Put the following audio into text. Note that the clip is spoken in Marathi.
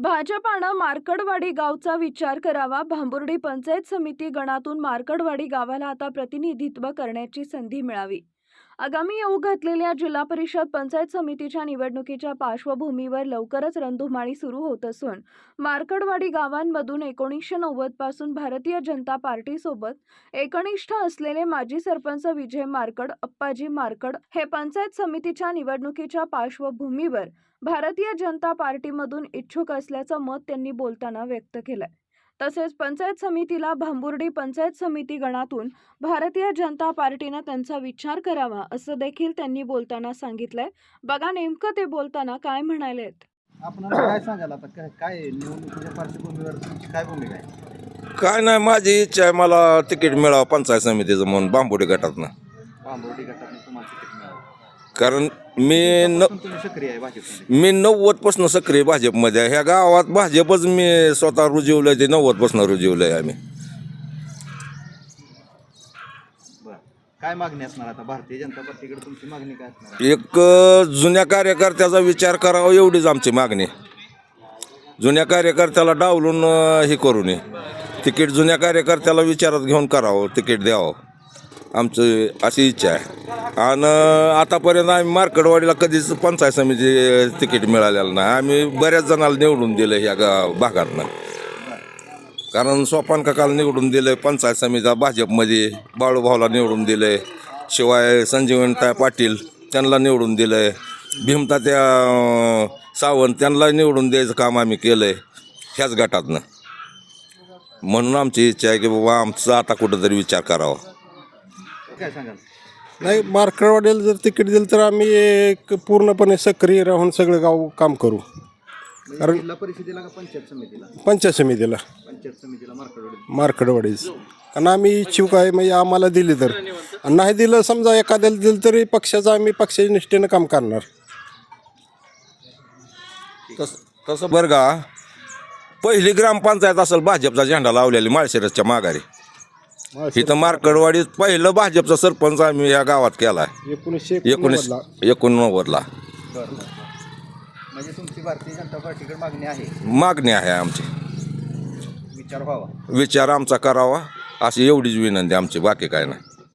भाजपानं मार्कडवाडी गावचा विचार करावा. भांबुर्डी पंचायत समिती गणातून मार्कडवाडी गावाला आता प्रतिनिधित्व करण्याची संधी मिळावी. आगामी येऊ घातलेल्या जिल्हा परिषद पंचायत समितीच्या निवडणुकीच्या पार्श्वभूमीवर लवकरच रणधुमाळी सुरू होत असून मार्कडवाडी गावांमधून 1990 पासून भारतीय जनता पार्टीसोबत एकनिष्ठ असलेले माजी सरपंच विजय मार्कड, अप्पाजी मार्कड हे पंचायत समितीच्या निवडणुकीच्या पार्श्वभूमीवर भारतीय जनता पार्टीमधून इच्छुक असल्याचं मत त्यांनी बोलताना व्यक्त केलंय. तसेच पंचायत समितीला भांबुर्डी पंचायत समिती गणातून भारतीय जनता पार्टीनं त्यांचा विचार करावा असं देखील त्यांनी बोलताना सांगितलंय. बघा नेमकं ते बोलताना काय म्हणालेत. आपण काय सांगाल आता काय निवडणुकीच्या पार्श्वभूमीवर तुमची काय भूमिका आहे? काय नाही, माझी इच्छा आहे मला तिकीट मिळावं पंचायत समितीचं म्हणून भांबुर्डी गटातनं. भांबुर्डी गटातून तुम्हाला तिकीट मिळावं कारण तुम्ही सक्रिय आहे भाजपमध्ये? मी 90% सक्रिय भाजपमध्ये आहे. ह्या गावात भाजपच मी स्वतः रुजवलंय, ते 90% रुजवलंय आम्ही. बरं, काय मागणी असणार आता भारतीय जनता पार्टीकडे? तुमची मागणी काय असणार? एक जुन्या कार्यकर्त्याचा विचार करावा एवढीच आमची मागणी. जुन्या कार्यकर्त्याला डावलून हे करू नये. तिकीट जुन्या कार्यकर्त्याला विचारात घेऊन करावं, तिकीट द्यावं, आमची अशी इच्छा आहे. आणि आतापर्यंत आम्ही मार्कडवाडीला कधीच पंचायत समिती तिकीट मिळालेलं नाही. आम्ही बऱ्याच जणाला निवडून दिलं ह्या भागातनं. कारण सोपान काकाला निवडून दिलं पंचायत समिती भाजपमध्ये, बाळूभाऊला निवडून दिलं, शिवाय संजीवनताई पाटील त्यांना निवडून दिलं, भीमतात्या सावंत त्यांना निवडून द्यायचं काम आम्ही केलं आहे ह्याच गटातनं. म्हणून आमची इच्छा आहे की बाबा आमचा आता कुठंतरी विचार करावा. काय सांगाल? नाही, मार्कडवाडीला जर तिकीट दिलं तर आम्ही एक पूर्णपणे सक्रिय राहून सगळं गाव काम करू. कारण जिल्हा परिषदेला का पंचायत समितीला? पंचायत समितीला, पंचायत समितीला मार्कडवाडीच. कारण आम्ही इच्छुक आहे, म्हणजे आम्हाला दिली तर. आणि नाही दिलं, समजा एखाद्याला दिलं तरी पक्षाचं आम्ही पक्षाच्या निष्ठेनं काम करणार. तसं बरं का, पहिली ग्रामपंचायत असेल भाजपचा झेंडा लावलेली माळशिरसच्या माघारी. इथं मार्कडवाडीत पहिलं भाजपचा सरपंच आम्ही या गावात केला आहे 1989ला. म्हणजे तुमची भारतीय जनता पार्टीकडे मागणी आहे? मागणी आहे आमची. विचार व्हावा, विचार आमचा करावा अशी एवढीच विनंती आमची, बाकी काय नाही.